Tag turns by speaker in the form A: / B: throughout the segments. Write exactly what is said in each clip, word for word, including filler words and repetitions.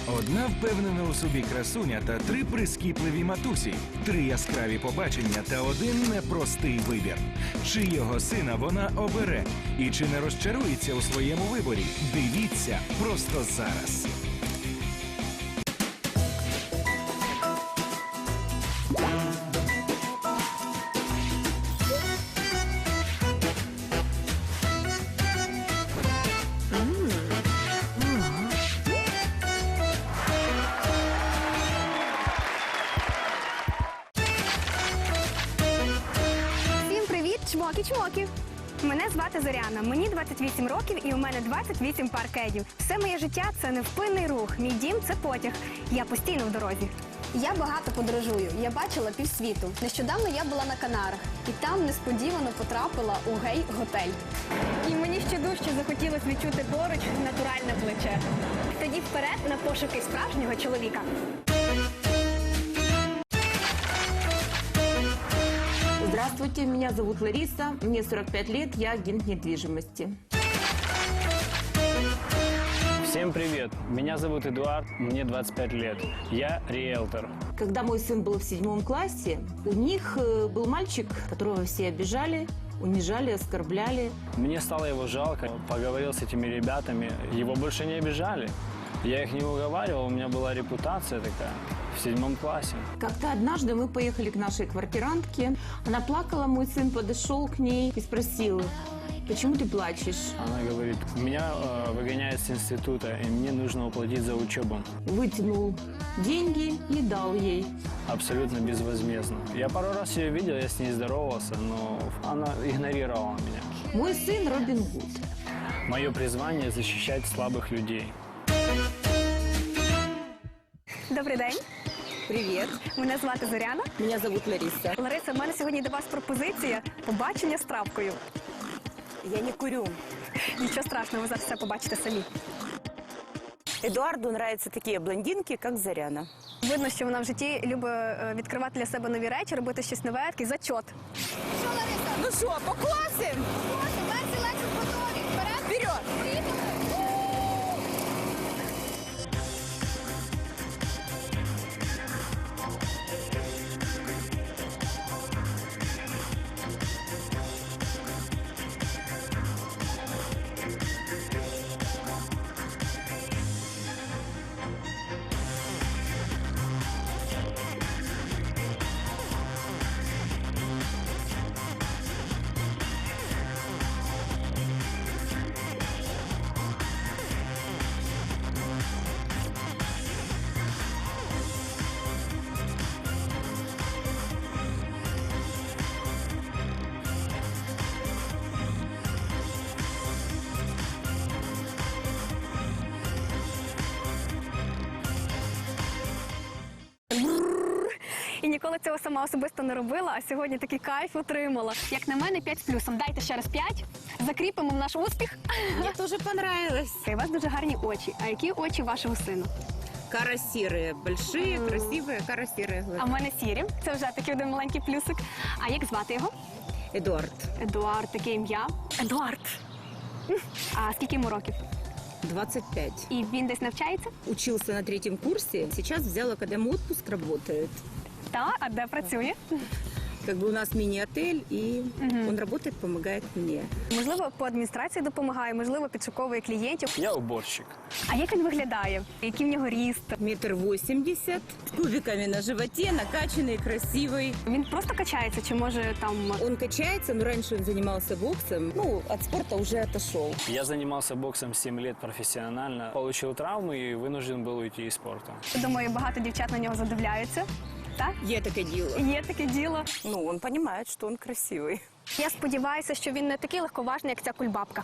A: Одна впевнена у собі красуня та три прискіпливі матусі, три яскраві побачення та один непростий вибір. Чийого сина вона обере і чи не розчарується у своєму виборі? Дивіться просто зараз.
B: Чмоки-чмоки! Мене звати Зоряна, мені двадцять вісім років і у мене двадцять вісім пар кедів. Все моє життя – це невпинний рух, мій дім – це потяг. Я постійно в дорозі.
C: Я багато подорожую, я бачила півсвіту. Нещодавно я була на Канарах і там несподівано потрапила у гей-готель.
B: І мені ще дужче захотілося відчути поруч натуральне плече. Тоді вперед на пошуки справжнього чоловіка.
D: Здравствуйте, меня зовут Лариса, мне сорок пять лет, я агент недвижимости.
E: Всем привет! Меня зовут Эдуард, мне двадцать пять лет. Я риэлтор.
D: Когда мой сын был в седьмом классе, у них э, был мальчик, которого все обижали, унижали, оскорбляли.
E: Мне стало его жалко. Поговорил с этими ребятами. Его больше не обижали. Я их не уговаривал, у меня была репутация такая в седьмом классе.
D: Как-то однажды мы поехали к нашей квартирантке. Она плакала, мой сын подошел к ней и спросил: почему ты плачешь?
E: Она говорит: меня э, выгоняют с института, и мне нужно уплатить за учебу.
D: Вытянул деньги и дал ей.
E: Абсолютно безвозмездно. Я пару раз ее видел, я с ней здоровался, но она игнорировала меня.
D: Мой сын Робин Гуд.
E: Мое призвание – защищать слабых людей.
B: Добрий день.
D: Привет.
B: Мене звати Зоряна.
D: Меня зовут Лариса.
B: Лариса, в мене сьогодні до вас пропозиція побачення з травкою.
F: Я не курю.
B: Нічого страшного, ви зараз все побачите самі.
F: Эдуарду нравятся такие блондинки, как Заряна.
B: Видно, що вона в житті любить е, відкривати для себе нові речі, робити щось нове, такий зачот.
C: Що, Лариса?
F: Ну что, поклассим?
C: Класно, Мерсі Лексус готові. Вперед!
F: Вперед!
C: Поїхали!
B: І ніколи цього сама особисто не робила, а сьогодні такий кайф отримала. Як на мене, п'ять з плюсом. Дайте ще раз п'ять, закріпимо в наш успіх.
D: Мне тоже понравилось.
B: У вас дуже гарні очі. А які очі вашого сина?
D: Каро-серые, большие, красивые, каро-серые глаза.
B: А в мене сірі. Це вже такий один маленький плюсик. А як звати його?
D: Эдуард,
B: Едуард, таке ім'я. Едуард. А скільки йому років?
D: двадцать пять.
B: І він десь навчається?
D: Учился на третьем курсе, сейчас взял академ отпуск, работает.
B: Так, а де працює?
D: Как бы у нас мини-отель, и он работает, помогает мне.
B: Можливо, по адміністрації допомагає, можливо, підшуковує клієнтів.
E: Я уборщик.
B: А як він виглядає? Який в нього ріст?
D: Метр восемьдесят, с кубиками на животе, накачанный, красивый.
B: Він просто качається, чи може там...
D: Он качается, но раньше он занимался боксом. Ну, от спорта уже отошел.
E: Я занимался боксом семь лет профессионально, получил травму и вынужден был уйти из спорта.
B: Думаю, багато дівчат на нього задивляються. Так?
D: Я таке діло.
B: Є таке діло.
F: Ну, он понимает, что он красивый.
B: Я сподіваюся, що він не такий легковажний, як ця кульбабка.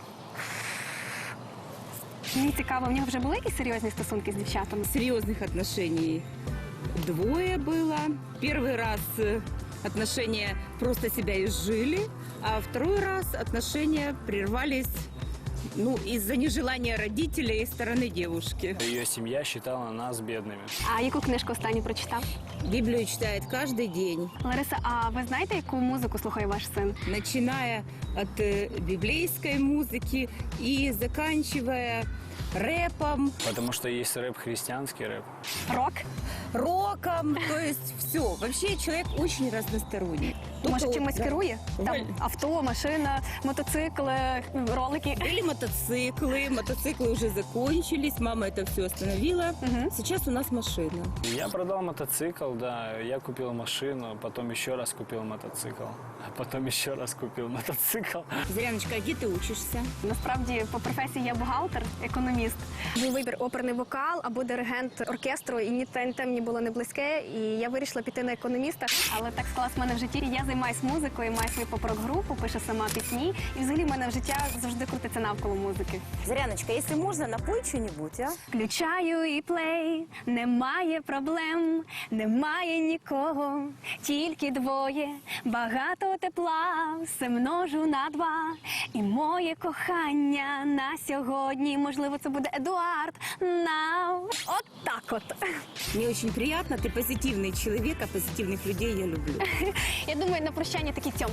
B: Мені цікаво, в нього вже були якісь серйозні стосунки з дівчатами?
D: Серьезных отношений двое было. Первый раз э, отношения просто себя изжили, а второй раз отношения прервались, ну, из-за нежелания родителей и стороны девушки.
E: Ее семья считала нас бедными.
B: А яку книжку останню прочитав?
D: Библию читает каждый день,
B: Лариса, а ви знаєте, яку музику слухає ваш син?
D: начиная от э, библейской музыки и заканчивая рэпом,
E: Потому что есть рэп, христианский рэп.
B: Рок?
D: роком, то есть все. Вообще человек очень разносторонний.
B: Може,
D: Только
B: чимось
D: вот, да.
B: керує? Там
D: Валь.
B: авто, машина, мотоцикли, ролики.
D: Были мотоциклы, мотоциклы уже закончились, мама это все остановила.
B: Мгм.
D: Сейчас у нас машина.
E: Я продал мотоцикл, да, я купил машину, потом еще раз купил мотоцикл, а потом еще раз купил мотоцикл.
D: Заряночка, а где ты учишься?
B: Насправді, по професії я бухгалтер, економіст. Був вибір оперний вокал або диригент оркестру, і ні те, ні те мені було не близьке. І я вирішила піти на економіста. Але так склалось в мене в житті. Я займаюся музикою, маю свою поп-рок-групу, пишу сама пісні. І взагалі в мене в життя завжди крутиться навколо музики.
F: Заряночка, если можно, напой что-нибудь, а?
B: Включаю і плей, немає проблем, немає нікого, тільки двоє, багато тепла, все множу на два. І моє кохання на сьогодні, можливо, це буде Едуард Нау. От так от.
D: Мне очень приятно, ты позитивный человек, а позитивных людей я люблю.
B: Я думаю, на прощання такий тьом.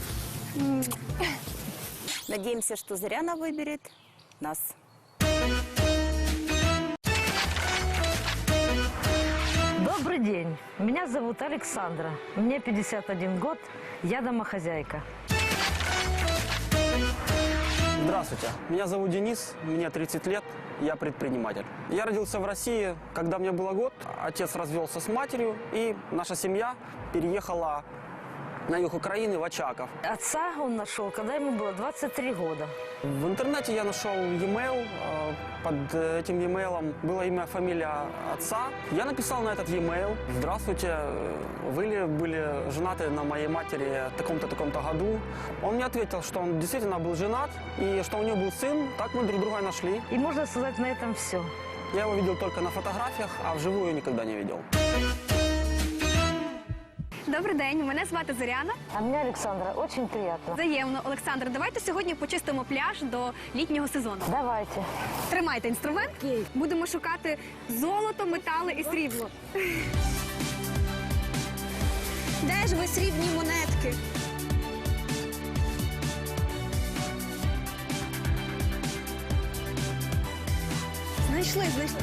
F: Надеемся, что Заряна выберет нас.
G: Добрый день. Меня зовут Александра. Мне пятьдесят один год. Я домохозяйка.
H: Здравствуйте, меня зовут Денис, мне тридцать лет, я предприниматель. Я родился в России, когда мне было год, отец развелся с матерью, и наша семья переехала на юг Украины, в Очаков.
G: Отца он нашел, когда ему было двадцать три года.
H: В интернете я нашел e-mail, э, под этим e-mail было имя, фамилия отца. Я написал на этот e-mail: «Здравствуйте, э, вы ли были женаты на моей матери в таком-то, таком-то году?» Он мне ответил, что он действительно был женат и что у него был сын, так мы друг друга нашли.
G: И можно сказать, на этом все.
H: Я его видел только на фотографиях, а вживую никогда не видел.
B: Добрий день, мене звати Зоряна.
G: А меня Александра, очень приятно.
B: Взаємно, Олександр, давайте сьогодні почистимо пляж до літнього сезону.
G: Давайте.
B: Тримайте інструмент. Будемо шукати золото, метали і срібло. Де ж ви срібні монетки? Знайшли, знайшли.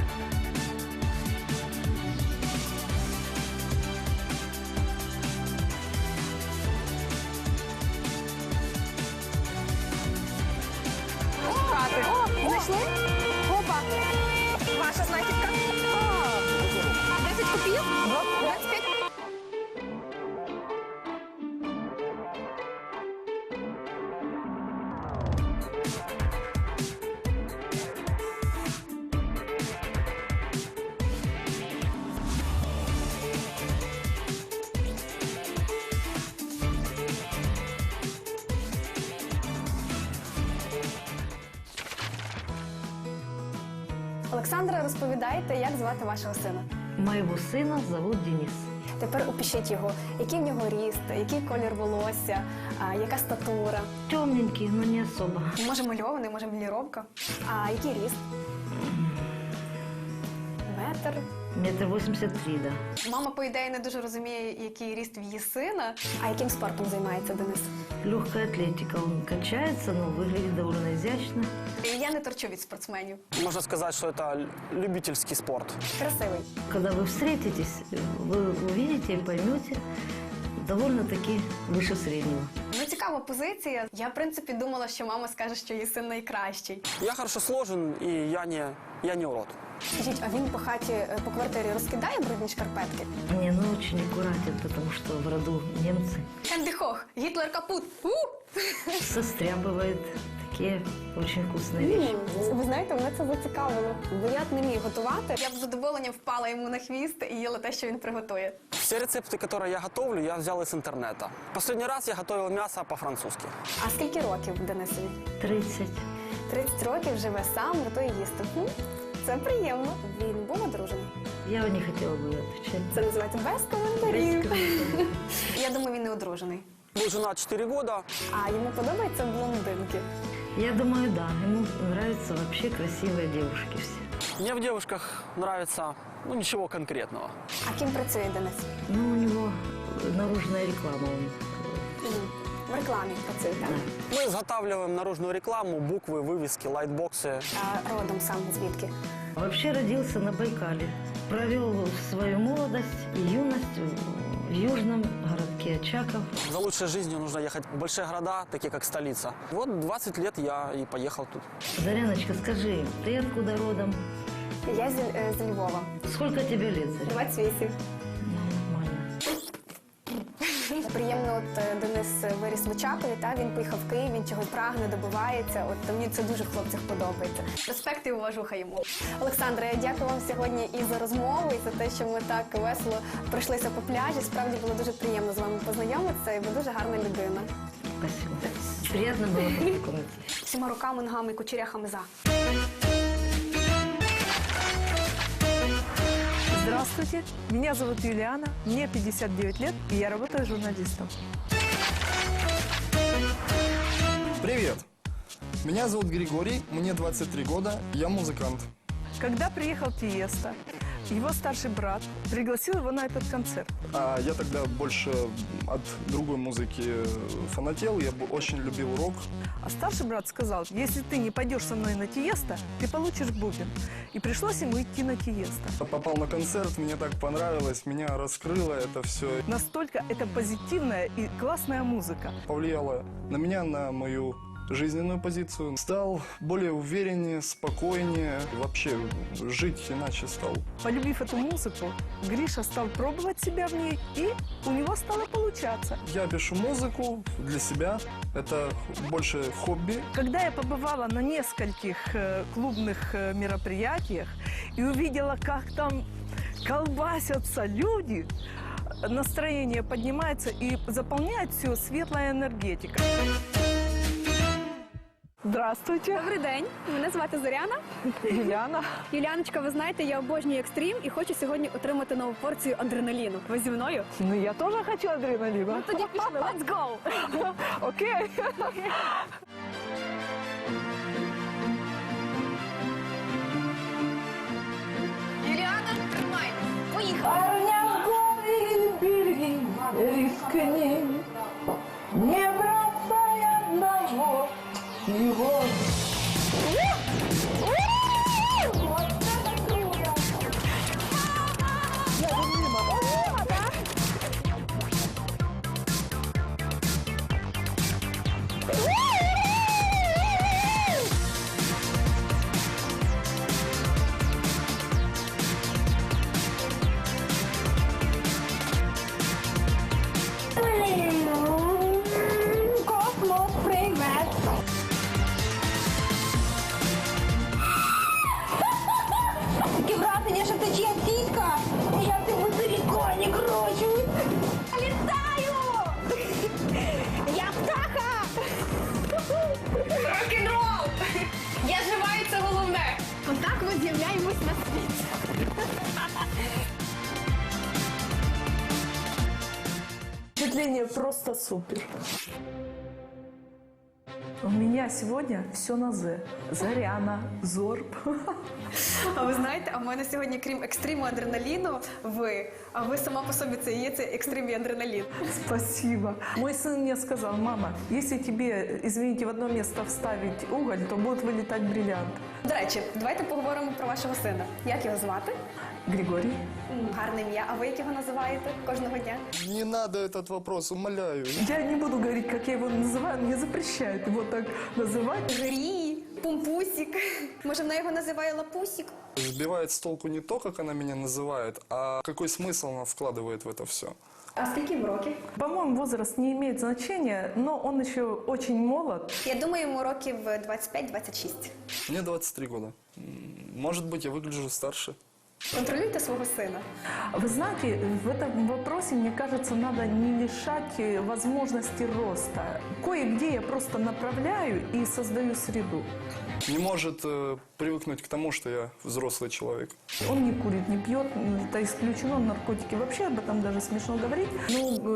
B: Шукати. О, знайшли? Опа! Ваша знахідка. А, десять копійок? двадцять п'ять. Олександра, розповідайте, як звати вашого сина.
G: Моего сына зовут Денис.
C: Тепер опишіть його, який в нього ріст, який колір волосся, а, яка статура.
G: Темненький, но не особо.
C: Може мальований, може міліровка. А який ріст? Метр.
G: Метр восемьдесят три, да.
C: Мама, по ідеї, не дуже розуміє, який ріст в її сина. А яким спортом займається Денис?
G: Легкая атлетика. Он качается, но выглядит довольно изящно.
C: Я не торчу від спортсменів.
H: Можно сказать, что это любительский спорт.
C: Красивий.
G: Когда вы встретитесь, вы увидите и поймете, довольно-таки выше среднего.
C: Ну, цікава позиція. Я, в принципі, думала, що мама скаже, що її син найкращий.
H: Я хорошо сложен, и я не, я не урод.
C: Скажіть, а він по хаті, е, по квартирі розкидає брудні шкарпетки?
G: Не, ну очень аккуратен, потому что в роду немцы.
C: Хенді Хох, Гітлер капут. У!
G: Состряпывает такие очень вкусные вещи.
C: М, Ви знаєте, мене це зацікавило. Бо я не міг готувати. Я б з задоволенням впала йому на хвіст і їла те, що він приготує.
H: Все рецепты, которые я готовлю, я взял из интернета. Последний раз я готовил мясо по-французски.
C: А скільки років Денисові?
G: тридцать.
C: тридцять років живе сам, готує їсти. Хм, Це приємно. Він був одружений.
G: Я не хотела бы отвечать.
C: Це називається без коментарів.
G: Без комментариев.
C: Я думаю, він не одружений.
H: Был женат четыре года.
C: А йому подобаються блондинки.
G: Я думаю, да. Ему нравятся вообще красивые девушки все.
H: Мне в девушках нравится, ну, ничего конкретного.
C: А ким працює Денис?
G: Ну, у него наружная реклама. Он
C: М, В рекламі працюєте.
H: Мы изготавливаем наружную рекламу, буквы, вывески, лайтбоксы.
C: А родом сам звідки?
G: Вообще родился на Байкале. Провел свою молодость и юность в южном городке Очаков.
H: За лучшей жизнью нужно ехать в большие города, такие как столица. Вот двадцать лет я и поехал тут.
G: Заряночка, скажи, ты откуда родом?
C: Я з, е, з Львова.
G: Сколько тебе лет, Заря?
C: двадцять вісім.
G: Ну, нормально.
C: Приємно, от е, Денис виріс в Очакові, та він поїхав в Київ, він чогось прагне, добивається. От мені це дуже в хлопцях подобається. Респект і уважуха йому. Олександре, я дякую вам сьогодні і за розмову, і за те, що ми так весело пройшлися по пляжі. Справді було дуже приємно з вами познайомитися, і ви дуже гарна людина.
G: Спасибо. Приятно было познакомиться.
C: Всіма руками, ногами і кучеряхами за.
I: Здравствуйте, меня зовут Юлиана, мне пятьдесят девять лет, и я работаю журналистом.
J: Привет! Меня зовут Григорий, мне двадцать три года, я музыкант.
I: Когда приехал Тиесто, его старший брат пригласил его на этот концерт.
J: А я тогда больше от другой музыки фанател, я бы очень любил рок.
I: А старший брат сказал, если ты не пойдешь со мной на Тиесто, ты получишь бубен. И пришлось ему идти на Тиесто.
J: Попал на концерт, мне так понравилось, меня раскрыло это все.
I: Настолько это позитивная и классная музыка.
J: Повлияло на меня, на мою жизненную позицию. Стал более увереннее, спокойнее, вообще жить иначе стал.
I: Полюбив эту музыку, Гриша стал пробовать себя в ней, и у него стало получаться.
J: Я пишу музыку для себя, это больше хобби.
I: Когда я побывала на нескольких э, клубных э, мероприятиях и увидела, как там колбасятся люди, настроение поднимается и заполняет все светлая энергетика. Здравствуйте.
B: Добрий день, мене звати Зоряна.
I: Юлиана.
B: Юліаночка, ви знаєте, я обожнюю екстрім і хочу сьогодні отримати нову порцію адреналіну. Ви зі мною?
I: Ну, я тоже хочу адреналина.
B: Ну тоді пішли, let's go!
I: Окей.
B: Юліана, тримай! Поїхали!
G: Парня в береги, рискни, не бросай одного его.
C: Таке враження, що це чия тітка. Я в тебе далеко не кручу. Літаю! Я птаха! Рок-н-рол! Я жива, і це головне. Отак ми з'являємось на світ.
I: Впечатление просто супер. У меня сегодня все на «З». Заряна, Зорб.
C: А ви знаєте, а в мене сьогодні, крім екстриму адреналіну, ви. А ви сама по собі це і є цей екстрим і адреналін.
I: Спасибо. Мой сын мне сказал, мама, если тебе, извините, в одно место вставить уголь, то будут вылетать бриллианты.
C: До речі, давайте поговоримо про вашого сина. Як його звати?
I: Григорий.
C: М, Гарне ім'я. А ви як його називаєте кожного дня?
J: Не надо этот вопрос, умоляю.
I: Я не буду говорить, как я его называю, мне запрещают его так называть.
C: Грій, Пумпусік. Може, вона його називає Лапусік?
J: Сбивает с толку не то, как она меня называет, а какой смысл она вкладывает в это все.
C: А скільки йому років?
I: По-моему, возраст не имеет значения, но он еще очень молод.
C: Я думаю, йому років двадцять п'ять - двадцять шість.
J: Мне двадцать три года. М, Может быть, я выгляжу старше.
C: Контролюйте свого сина.
I: Вы знаете, в этом вопросе, мне кажется, надо не лишать э, возможности роста. Кое-где я просто направляю и создаю среду.
J: Не может э, привыкнуть к тому, что я взрослый человек.
I: Он не курит, не пьет, это исключено, наркотики. Вообще об этом даже смешно говорить. Ну, э, ложь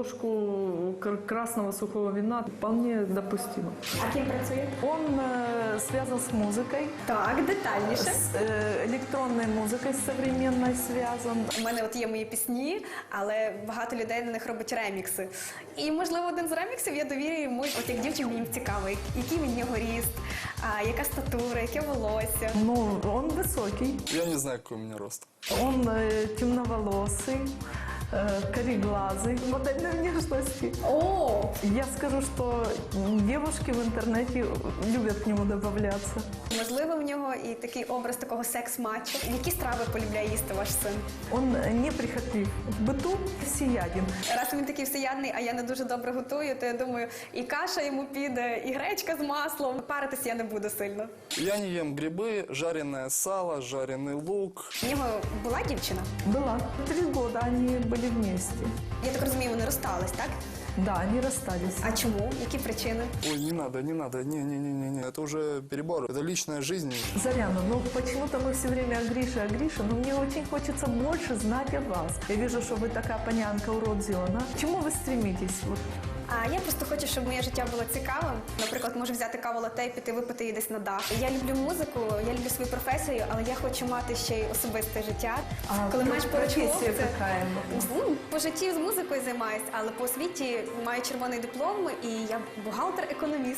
I: ложку кр- красного сухого вина вполне допустимо.
C: А ким працює?
I: Он э, связан с музыкой,
C: Так, детальніше.
I: с э, электронной музыкой с современной связан.
C: У мене от є мої пісні, але багато людей на них робить ремікси. І, можливо, один з реміксів я довірю йому, от як дівчині мені цікаво, який він нього ріст, а, яка статура, яке волосся.
I: Ну, он высокий,
J: Я не знаю, какой у меня рост.
I: он э, темноволосый, э, кореглазый, модельной внешности.
C: О!
I: Я скажу, что девушки в интернете любят к нему добавляться.
C: Можливо, в нього і такий образ такого секс-матчу. Які страви полюбляє їсти ваш син?
I: Он неприхотлив в быту, всеяден.
C: Раз він такий всеядний, а я не дуже добре готую, то я думаю, і каша йому піде, і гречка з маслом. Паритись я не буду сильно.
J: Я не ем грибы, жареное сало, жареный лук.
C: В нього була дівчина?
I: Была. Три года они были вместе.
C: Я так розумію, вони розстались, так?
I: Да, они расстались.
C: А чому? Які причини?
J: Ой, не надо, не надо, не-не-не-не, это уже перебор, это личная жизнь.
I: Заряна, ну почему-то мы все время о Грише, о Грише, но мне очень хочется больше знать о вас. Я вижу, что вы такая понянка уродзена. К чему вы стремитесь? Вот.
C: А я просто хочу, щоб моє життя було цікавим. Наприклад, можу взяти каву латте і піти випити її десь на дах. Я люблю музику, я люблю свою професію, але я хочу мати ще й особисте життя.
I: А
C: Коли маєш поруч
I: професія
C: хлопця,
I: яка?
C: ну, по житті з музикою займаюся, але по освіті маю червоний диплом і я бухгалтер-економіст.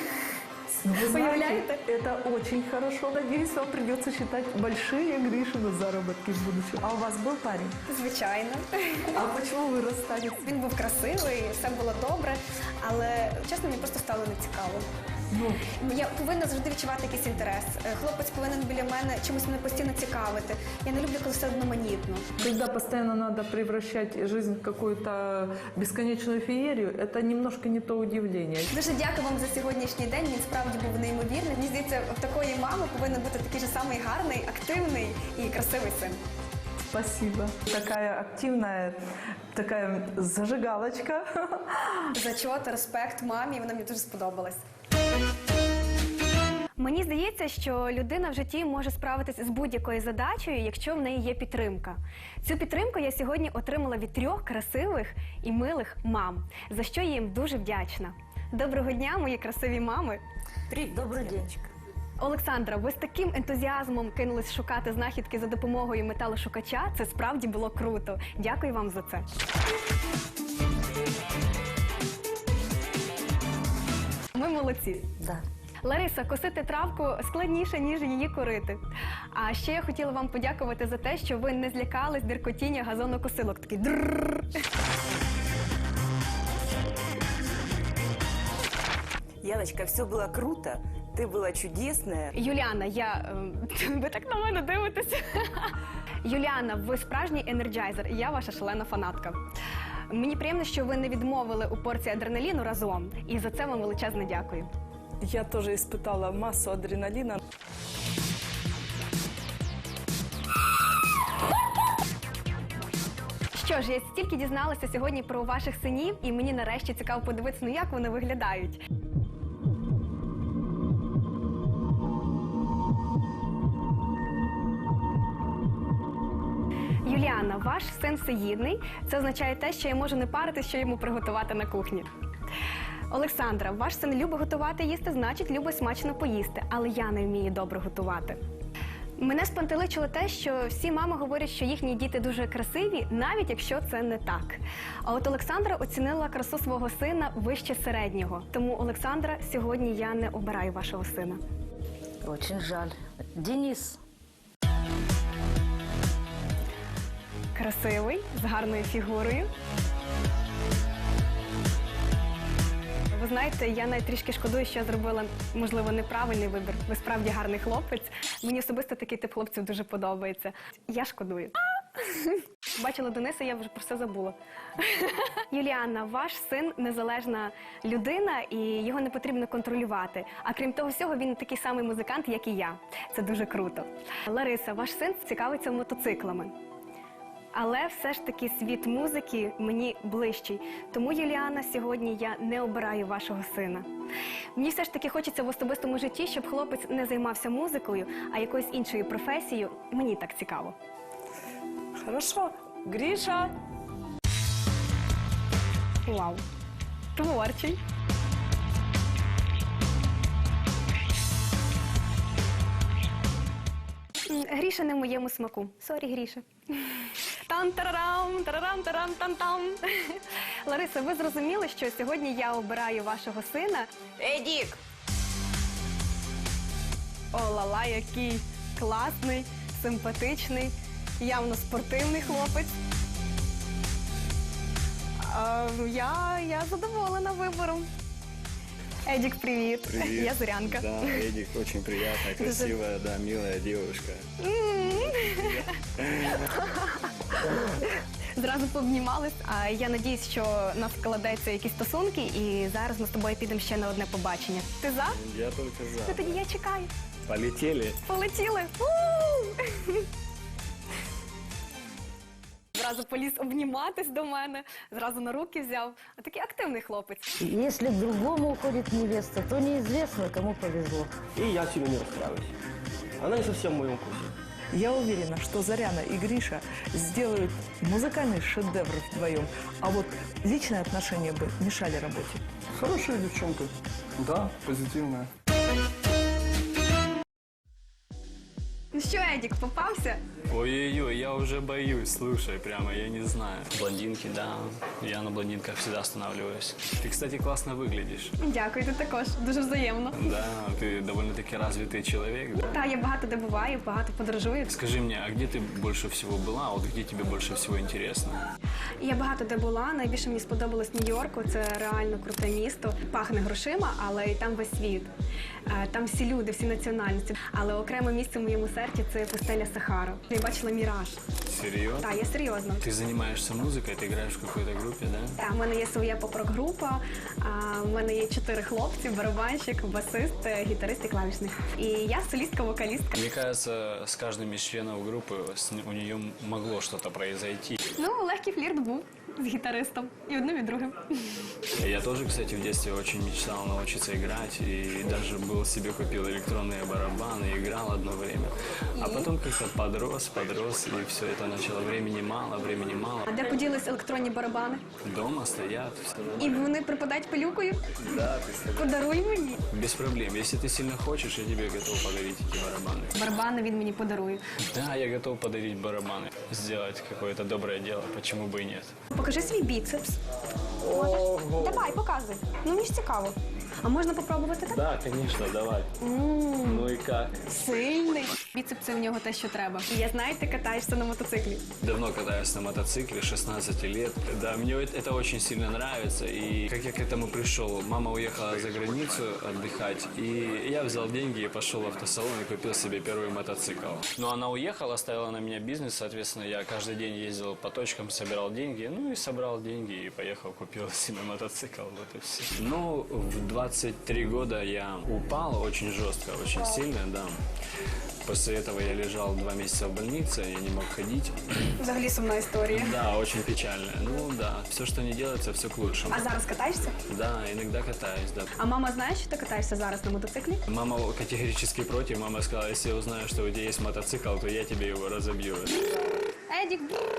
I: Ну, вы знаете,
C: Появляется?
I: это очень хорошо. Надеюсь, вам придется считать большие Гришины заработки в будущем. А у вас был парень?
C: Звичайно.
I: А почему вы расстались?
C: Він був красивий, все було добре, але чесно, мені просто стало нецікаво.
I: Ну,
C: Я повинна завжди відчувати якийсь інтерес. Е, Хлопець повинен біля мене чимось мене постійно цікавити. Я не люблю, коли все одноманітно.
I: когда постоянно надо превращать жизнь в какую-то бесконечную феерию, это немножко не то удивление.
C: Дуже дякую вам за сьогоднішній день. Він справді був неймовірний. Мені здається, в такої мами повинен бути такий же самий гарний, активний і красивий син.
I: Спасибо. Такая активная, такая зажигалочка.
C: Зачот, респект мамі, вона мені дуже сподобалась.
B: Мені здається, що людина в житті може справитися з будь-якою задачею, якщо в неї є підтримка. Цю підтримку я сьогодні отримала від трьох красивих і милих мам, за що я їм дуже вдячна. Доброго дня, мої красиві мами!
F: Привет, добрый день.
B: Олександра, ви з таким ентузіазмом кинулись шукати знахідки за допомогою металошукача. Це справді було круто. Дякую вам за це. Ми молодці.
F: Да.
B: Лариса, косити травку складніше, ніж її корити. А ще я хотіла вам подякувати за те, що ви не злякались деркотіння газонокосилок. Такий дрррррр.
F: Яночка, все было круто, ты была чудесная.
B: Юліана, я... ем, ви так на мене дивитеся. Юліана, ви справжній енерджайзер, і я ваша шалена фанатка. Мені приємно, що ви не відмовили у порції адреналіну разом, і за це вам величезне дякую.
I: Я тоже испытала массу адреналина.
B: Що ж, я стільки дізналася сьогодні про ваших синів, і мені нарешті цікаво подивитися, ну як вони виглядають. Юліана, ваш син всеїдний. Це означає те, що я можу не паритись, що йому приготувати на кухні. Олександра, ваш син любить готувати їсти, значить любить смачно поїсти, але я не вмію добре готувати. Мене спантеличило те, що всі мами говорять, що їхні діти дуже красиві, навіть якщо це не так. А от Олександра оцінила красу свого сина вище середнього. Тому, Олександра, сьогодні я не обираю вашого сина.
G: Очень жаль. Денис.
B: Красивий, з гарною фігурою. Ви знаєте, я навіть трішки шкодую, що я зробила, можливо, неправильний вибір. Ви справді гарний хлопець. Мені особисто такий тип хлопців дуже подобається. Я шкодую. Бачила Дениса, я вже про все забула. Юліанна, ваш син незалежна людина і його не потрібно контролювати. А крім того всього, він такий самий музикант, як і я. Це дуже круто. Лариса, ваш син цікавиться мотоциклами. Але все ж таки світ музики мені ближчий. Тому, Юліана, сьогодні я не обираю вашого сина. Мені все ж таки хочеться в особистому житті, щоб хлопець не займався музикою, а якоюсь іншою професією. Мені так цікаво.
I: Хорошо. Гриша.
B: Вау. Творчий. М, Гріша не в моєму смаку. Сорі, Гріша. Тан-тарарам, тарарам-тарам-тан-там. Лариса, ви зрозуміли, що сьогодні я обираю вашого сина?
F: Эдик!
B: О, лала, який класний, симпатичний, явно спортивний хлопець. А, я, я задоволена вибором. Едік, привіт.
E: Привет.
B: Я Зорянка.
E: Да, Эдик очень приятная, красивая, да, милая девушка.
B: Зразу пообнімались, а я надіюсь, що у нас складаються якісь стосунки, і зараз ми з тобою підемо ще на одне побачення. Ти за?
E: Я только
B: Ну
E: за.
B: тоді я чекаю.
E: Полетели.
B: Полетіли. У! Зразу поліз обніматись до мене, зразу на руки взяв. А такий активний хлопець.
G: Если к другому уходит невеста, то неизвестно, кому повезло.
H: И я сильно не расстраиваюсь. Она не совсем в моем вкусе.
I: Я уверена, что Заряна и Гриша сделают музыкальный шедевр вдвоем, а вот личные отношения бы мешали работе.
J: Хорошая девчонка. Да, позитивная.
B: Ну що, Едік, попався?
E: Ой-ой-ой, я уже боюсь, слушай, прямо, я не знаю. Блондинки, да, я на блондинках всегда останавливаюсь. Ты, кстати, классно выглядишь.
B: Дякую, ти також. Дуже взаємно.
E: Да, ты довольно-таки развитый человек, да.
B: Та, я багато де буваю, багато подорожую.
E: Скажи мне, а где ты больше всего была, вот где тебе больше всего интересно?
B: Я багато де була. Найбільше мені сподобалось Нью-Йорку. Це реально круте місто. Пахне грошима, але і там весь світ. Е, Там всі люди, всі національності. Але окреме місце в моєму серці – це пустеля Сахара. Я бачила Міраж.
E: Серьезно?
B: Так, я серйозно.
E: Ты занимаешься музыкой, ты играешь в какой-то группе, да?
B: Так, в мене є своя поп-рок-група, а, в мене є чотири хлопці, барабанщик, басист, е, гітарист і клавішник. І я солістка-вокалістка.
E: Мне кажется, с каждым из членов группы с н- у нее могло что-то произойти.
B: Ну, легкий флірт був з гітаристом. І одним, і другим.
E: Я тоже, кстати, в детстве очень мечтал научиться играть и даже был себе купил электронные барабаны, играл одно время. А потом как-то подрос, подрос, и все это начало. Времени мало, времени мало.
B: А де поділись електронні барабани?
E: Дома стоят, все
B: І вони припадають пилюкою?
E: Да, ты
B: Подаруй мені.
E: без проблем. Если ты сильно хочешь, я тебе готов подарить эти барабаны.
B: Барабани він мені подарує.
E: Да, я готов подарить барабаны. Сделать какое-то доброе дело, почему бы и нет.
B: Покажи свій біцепс. Можеш? Давай, показуй. Ну, мені ж цікаво. А можна попробувати так?
E: Да, конечно, давай.
B: М,
E: Ну и как?
B: Сильний. Біцепс – це в нього те, що треба. І я знаю, ти катаєшся на мотоциклі.
E: Давно катаюсь на мотоцикле, шестнадцать лет. Да, мне это это очень сильно нравится. И как я к этому пришел? Мама уехала за границу отдыхать, и я взял деньги и пошел в автосалон и купил себе первый мотоцикл. Но она уехала, оставила на меня бизнес, соответственно, я каждый день ездил по точкам, собирал деньги, ну и собрал деньги и поехал, купил себе мотоцикл, вот и все. Ну, в двадцать три года я упал очень жестко, очень сильно, да. После этого я лежал два месяца в больнице, я не мог ходить.
B: Взагалі сумна історія.
E: Да, очень печально. Ну да, все, что не делается, все к лучшему.
B: А зараз катаєшся?
E: Да, иногда катаюсь, да.
B: А мама знає, що ти катаєшся зараз на мотоциклі?
E: Мама категорически против. Мама сказала, если я узнаю, что у тебя есть мотоцикл, то я тебе его разобью.
B: Едік,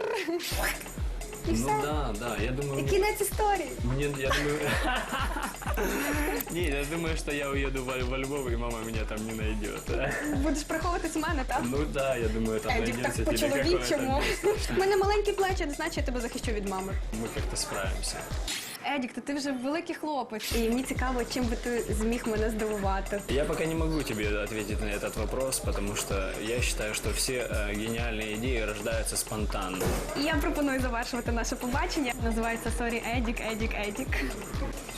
B: і
E: Ну
B: все.
E: да, да, я думаю...
B: І кінець історії.
E: Мне, я думаю... Не, я думаю, что я уеду во, во Львов, и мама меня там не найдет.
B: Будеш приховуватись у мене, так?
E: Ну да, я думаю, там
B: Едік,
E: найдется
B: так
E: тебе
B: по-чоловічому.
E: какое-то...
B: У мене маленькі плечі, не значить, я тебе захищу від мами.
E: Мы как-то справимся.
B: Едік, то ти вже великий хлопець. І мені цікаво, чим би ти зміг мене здивувати.
E: Я пока не могу тебе ответить на этот вопрос, потому что я считаю, что все э, гениальные идеи рождаются спонтанно.
B: І я пропоную завершувати наше побачення. Називається «Сорі, Едік, Едік, Едік».